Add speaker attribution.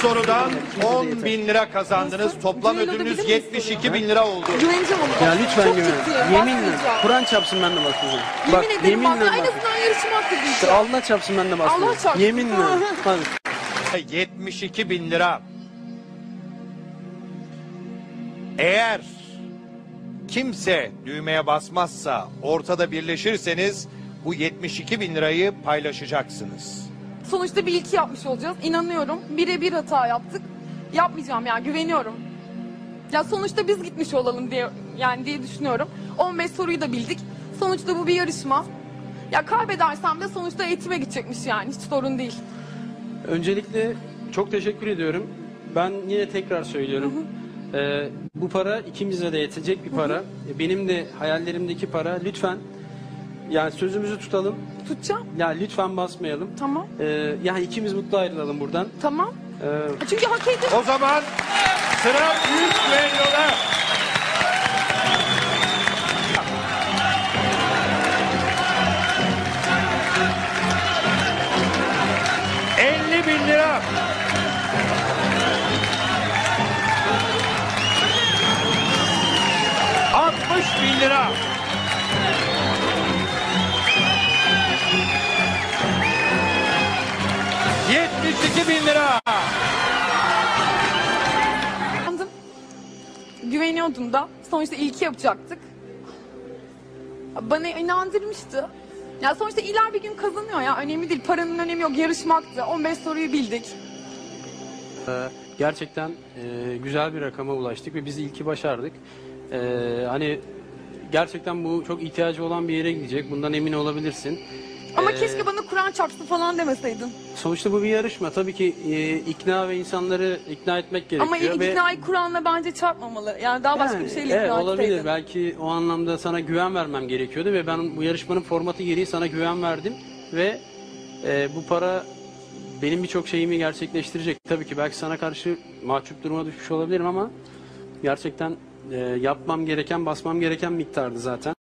Speaker 1: sorudan 10.000 lira kazandınız. Toplam ödülünüz 72.000 lira oldu.
Speaker 2: Güveneceğim ona.
Speaker 3: Ya lütfen
Speaker 2: Çok
Speaker 3: güven.
Speaker 2: ciddiyim.
Speaker 3: Yeminle.
Speaker 2: Basmayacağım.
Speaker 3: Kur'an çarpsın ben de basmayacağım.
Speaker 2: Yemin ederim bak. En
Speaker 3: bak.
Speaker 2: azından yarışma hakkı diyeceğim.
Speaker 3: Allah çarpsın ben de basmayacağım.
Speaker 2: Allah çarpsın.
Speaker 3: Yeminle. Hadi.
Speaker 1: 72.000 lira. Eğer kimse düğmeye basmazsa, ortada birleşirseniz bu 72.000 lirayı paylaşacaksınız.
Speaker 2: Sonuçta bir ilki yapmış olacağız. İnanıyorum. Birebir hata yaptık. Yapmayacağım ya, güveniyorum. Ya sonuçta biz gitmiş olalım diye düşünüyorum. 15 soruyu da bildik. Sonuçta bu bir yarışma. Ya kaybedersem de sonuçta eğitime gidecekmiş yani. Hiç sorun değil.
Speaker 3: Öncelikle çok teşekkür ediyorum. Ben yine tekrar söylüyorum. Bu para ikimize de yetecek bir para. Benim de hayallerimdeki para. Lütfen yani sözümüzü tutalım.
Speaker 2: Tutacağım.
Speaker 3: Ya lütfen basmayalım.
Speaker 2: Tamam.
Speaker 3: Yani ikimiz mutlu ayrılalım buradan.
Speaker 2: Tamam. Çünkü hak ediyorum.
Speaker 1: O zaman sıra büyük düelloda. lira. lira. 72.000 lira.
Speaker 2: Güveniyordum da. Sonuçta ilki yapacaktık. Bana inandırmıştı. Ya sonuçta iler bir gün kazanıyor ya. Önemli değil. Paranın önemi yok. Yarışmaktı. 15 soruyu bildik.
Speaker 3: Gerçekten güzel bir rakama ulaştık ve biz ilki başardık. Hani gerçekten bu çok ihtiyacı olan bir yere gidecek. Bundan emin olabilirsin.
Speaker 2: Ama keşke bana Kur'an çarpsın falan demeseydin.
Speaker 3: Sonuçta bu bir yarışma. Tabii ki ikna ve insanları ikna etmek gerekiyor.
Speaker 2: Ama iknayı Kur'an'la bence çarpmamalı. Yani daha başka bir şeyle ikna
Speaker 3: olabilir.
Speaker 2: etseydin.
Speaker 3: Belki o anlamda sana güven vermem gerekiyordu ve ben bu yarışmanın formatı gereği sana güven verdim ve bu para benim birçok şeyimi gerçekleştirecek. Tabii ki belki sana karşı mahcup duruma düşmüş olabilirim ama gerçekten yapmam gereken, basmam gereken miktardı zaten.